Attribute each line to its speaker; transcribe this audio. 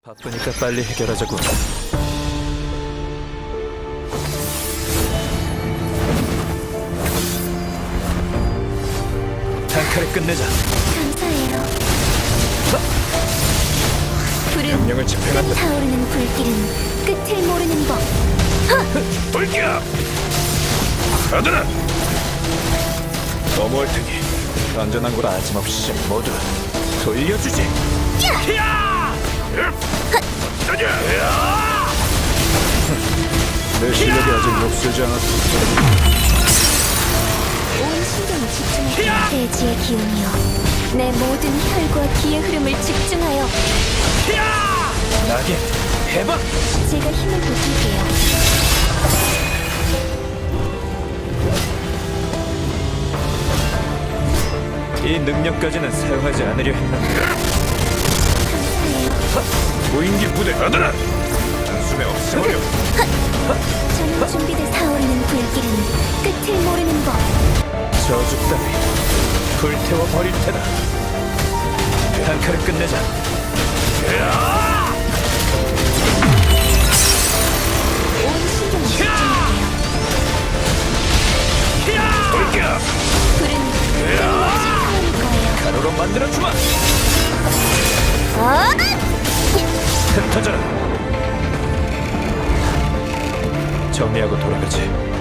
Speaker 1: 바쁘니까 빨리 해결하자고. 단칼에 끝내자.
Speaker 2: 감사해요. 불은
Speaker 1: 명령을 집행한다.
Speaker 2: 타오르는 불길은 끝을 모르는 법.
Speaker 1: 불기야! 가드라! 넘어올 테니 안전한 곳 아짐없이 모두 돌려주지. 히야! 가자! 내 실력이 아직 녹슬지 않았어.
Speaker 2: 온 신경을 집중하여 대지의 기운이여, 내 모든 혈과 기의 흐름을 집중하여
Speaker 1: 나게 해봐!
Speaker 2: 제가 힘을 보탤게요.
Speaker 1: 이 능력까지는 사용하지 않으려 했는데.
Speaker 2: 감사해요.
Speaker 1: 무인기 부대 가드라! 단숨에 없애버려.
Speaker 2: 저는 준비돼 타오르는 불길은 끝을 모르는 법.
Speaker 1: 저주 따위 불태워 버릴 테다. 단칼에 끝내자.
Speaker 2: 온 신경을 집중할게요.
Speaker 1: 불기야!
Speaker 2: 불은 끊임없이 타오를 거예요.
Speaker 1: 가루로 만들어주마! 흩어져라! 정리하고 돌아가지.